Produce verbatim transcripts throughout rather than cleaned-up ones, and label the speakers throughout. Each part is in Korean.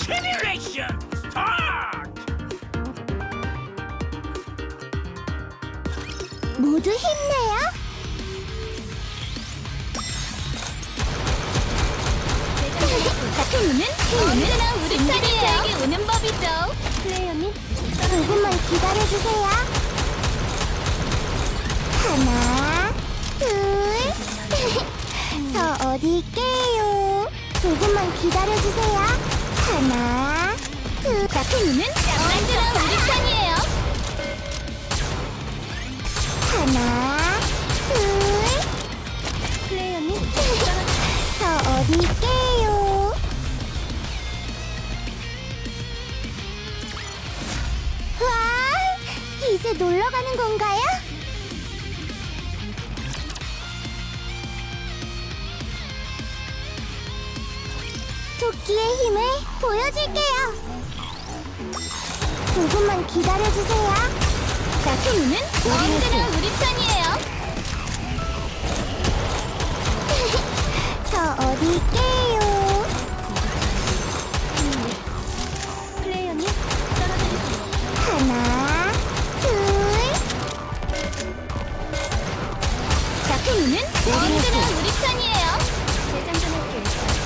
Speaker 1: 시뮬레이션 스타트!
Speaker 2: 모두 힘내요.
Speaker 3: 작품은 언제나 우리 편이에요. 오는 법이죠.
Speaker 2: 플레이어님, 조금만 기다려주세요. 하나, 둘, 저 어디 있게요? 조금만 기다려주세요. 하나, 둘,
Speaker 3: 작품은 언제나 우리 편이에요.
Speaker 2: 하나, 둘.
Speaker 3: 플레이어님,
Speaker 2: 저 어디 있게요? 와, 이제 놀러 가는 건가요? 토끼의 힘을 보여줄게요. 조금만 기다려주세요.
Speaker 3: 작품은 언제나 우리 편이에요.
Speaker 2: 저 어디 있게요?
Speaker 3: 플레이어님, 떨어뜨리세요.
Speaker 2: 하나, 둘.
Speaker 3: 작품은 언제나 우리 편이에요. 재장전할게요.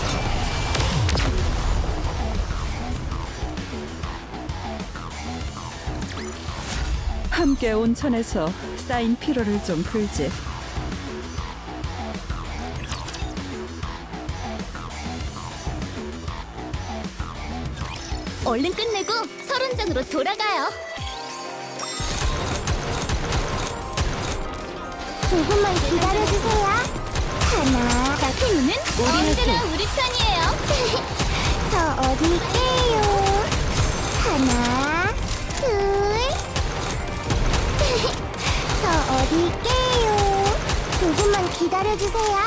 Speaker 4: 함께 온천에서 쌓인 피로를 좀 풀지.
Speaker 3: 얼른 끝내고 설원장으로 돌아가요.
Speaker 2: 조금만 기다려주세요. 하나.
Speaker 3: 작품은 언제나 우리 편이에요.
Speaker 2: 저 어디 있게요? 하나, 둘. 저 어디 있게요? 조금만 기다려주세요.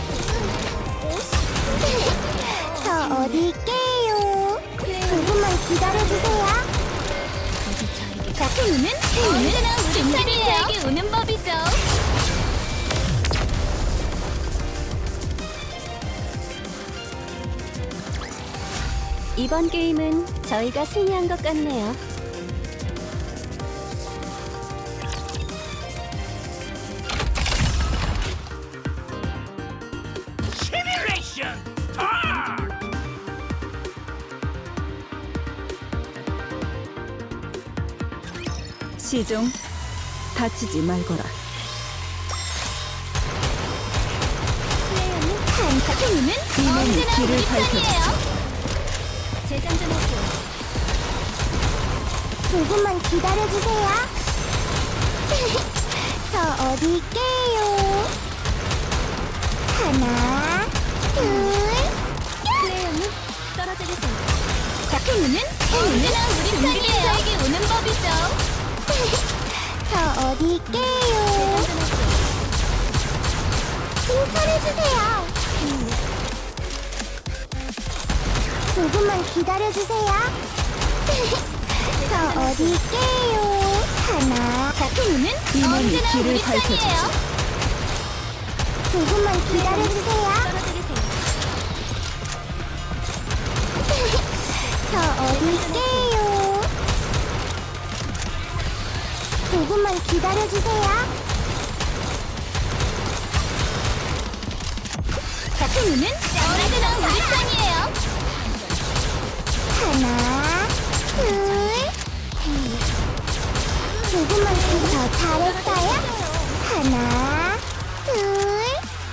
Speaker 2: 저 어디 있게요? 조금만 기다려주세요.
Speaker 3: 작품은 언제나 우리 편이에요. 오는 법이죠. 이번 게임은 저희가 승리한 것 같네요.
Speaker 1: 시뮬레이션 스타트!
Speaker 4: 시종, 다치지 말거라.
Speaker 3: 작품은
Speaker 4: 이놈이
Speaker 3: 언제나
Speaker 4: 길을
Speaker 3: 우리
Speaker 4: 밝혀주지.
Speaker 3: 편이에요. 재장전할게요.
Speaker 2: 조금만 기다려주세요. 저 어디 있게요? 하나, 둘.
Speaker 3: 플레이어님, 떨어뜨리세요. 작품은 언제나 우리 편이에요. 저에게 오는 법이죠.
Speaker 2: 저 어디 있게요? 칭찬해주세요. 조금만 기다려주세요. 저 어디 있게요? 하나.
Speaker 3: 작품은
Speaker 4: 이놈이
Speaker 3: 언제나
Speaker 4: 길을
Speaker 3: 우리
Speaker 4: 밝혀주지.
Speaker 3: 편이에요.
Speaker 2: 조금만 기다려주세요.
Speaker 3: 떨어뜨리세요.
Speaker 2: 저 어디 있게요? 조금만 기다려주세요.
Speaker 3: 작품은 언제나 우리 편이에요.
Speaker 2: 하나, 둘. 조금만 더 잘했어요. 하나, 둘.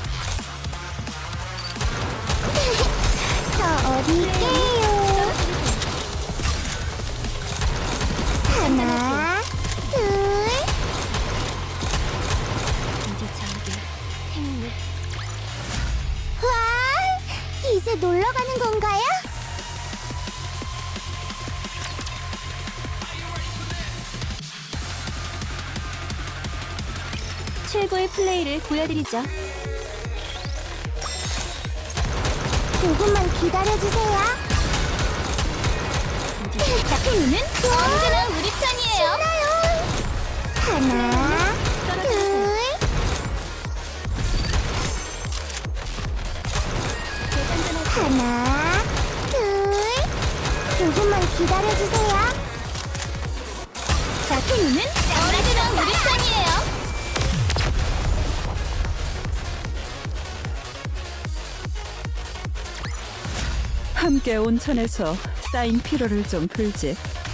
Speaker 2: 저 어디 있게요? 하나, 둘. 와, 이제 놀러 가는 건가요?
Speaker 3: 최고의 플레이를 보여드리죠.
Speaker 2: 조금만 기다려주세요.
Speaker 3: 작품은 언제나 우리 편이에요.
Speaker 2: 하나, 둘. 하나, 둘. 기다려주세요.
Speaker 3: 자크님은 언제나 우리 편이에요.
Speaker 4: 함께 온천에서 쌓인 피로를 좀 풀지.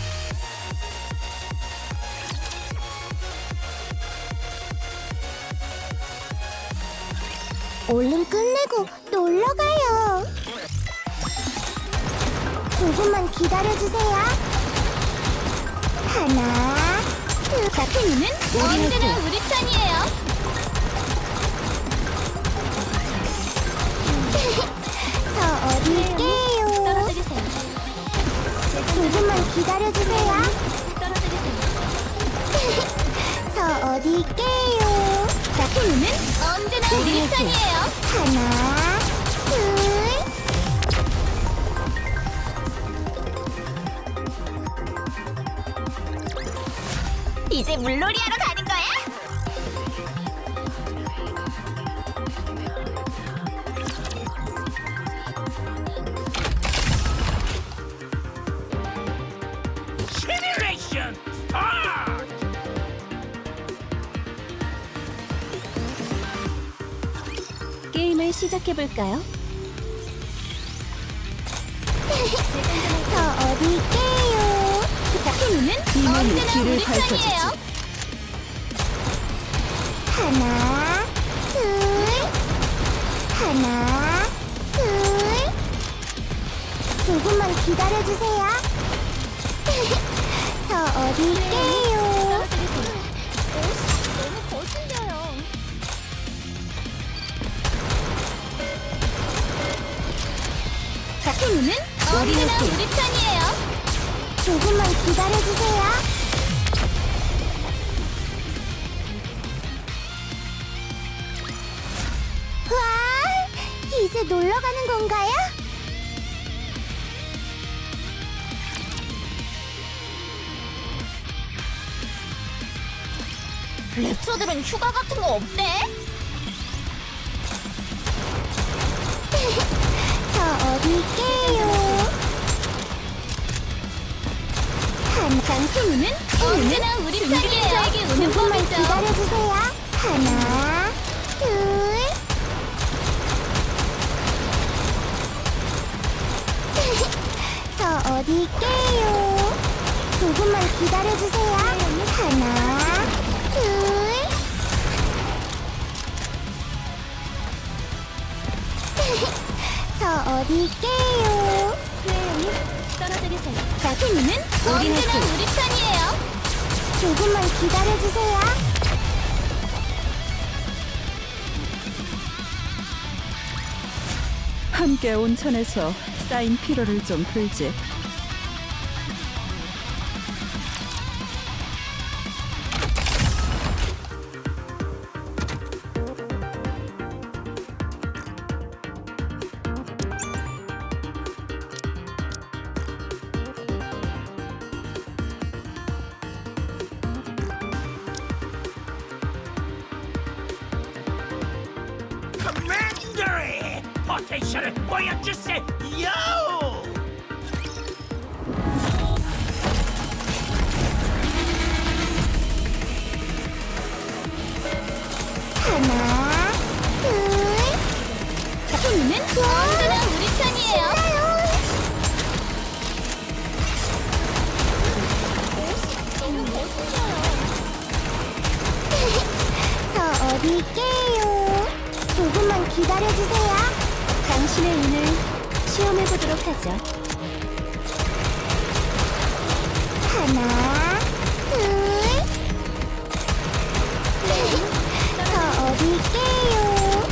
Speaker 2: 얼른 끝내고 놀러 가요. 조금만 기다려주세요. 하나, 둘.
Speaker 3: 자크님은 언제나 우리 편이에요.
Speaker 2: 저 어디 있게요?
Speaker 3: 떨어뜨리세요.
Speaker 2: 조금만 기다려주세요.
Speaker 3: 떨어뜨리세요.
Speaker 2: 저 어디 있게요?
Speaker 3: 자크님은 언제나 우리 편이에요.
Speaker 2: 하나, 둘.
Speaker 3: 이제 물놀이 하러 가는 거야?
Speaker 1: Simulation start!
Speaker 3: 게임을 시작해 볼까요?
Speaker 2: 저 어디 있게요?
Speaker 3: 자크님은
Speaker 4: 이만희
Speaker 3: 언제나
Speaker 4: 길을
Speaker 3: 우리
Speaker 4: 밝혀주지.
Speaker 3: 편이에요.
Speaker 2: 하나, 둘. 하나, 둘. 조금만 기다려주세요. 저 어디 있게요?
Speaker 3: 너무 거슬려요. 자크님은 언제나 우리 편이에요.
Speaker 2: 조금만 기다려주세요. 와, 이제 놀러 가는 건가요?
Speaker 3: 랩처들은 휴가 같은 거 없대?
Speaker 2: 저 어디 있게요? 한
Speaker 3: 장크님은 언제나 우리 편이에요. 저에게 오는
Speaker 2: 조금만
Speaker 3: 법이죠.
Speaker 2: 기다려주세요. 하나, 둘. 저 어디 있게요? 조금만 기다려주세요. 하나, 둘. 저 어디 있게요?
Speaker 3: 떨어뜨리세요. 자크님은 언제나 우리 편이에요.
Speaker 2: 조금만 기다려주세요.
Speaker 4: 함께 온천에서 쌓인 피로를 좀 풀지.
Speaker 1: Commandery! 포텐셜을 보여주세요!
Speaker 2: 하나, 둘.
Speaker 3: 자크님은 언제나 우리 편이에요. 너무 거슬려요.
Speaker 2: 저 어디 있게요? 조금만 기다려주세요.
Speaker 3: 당신의 운을 시험해보도록 하죠.
Speaker 2: 하나, 둘. 저 어디 있게요?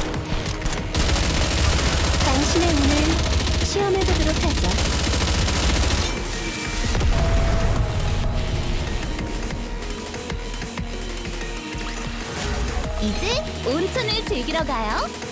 Speaker 3: 당신의 운을 시험해보도록 하죠. 이제 온천을 즐기러 가요.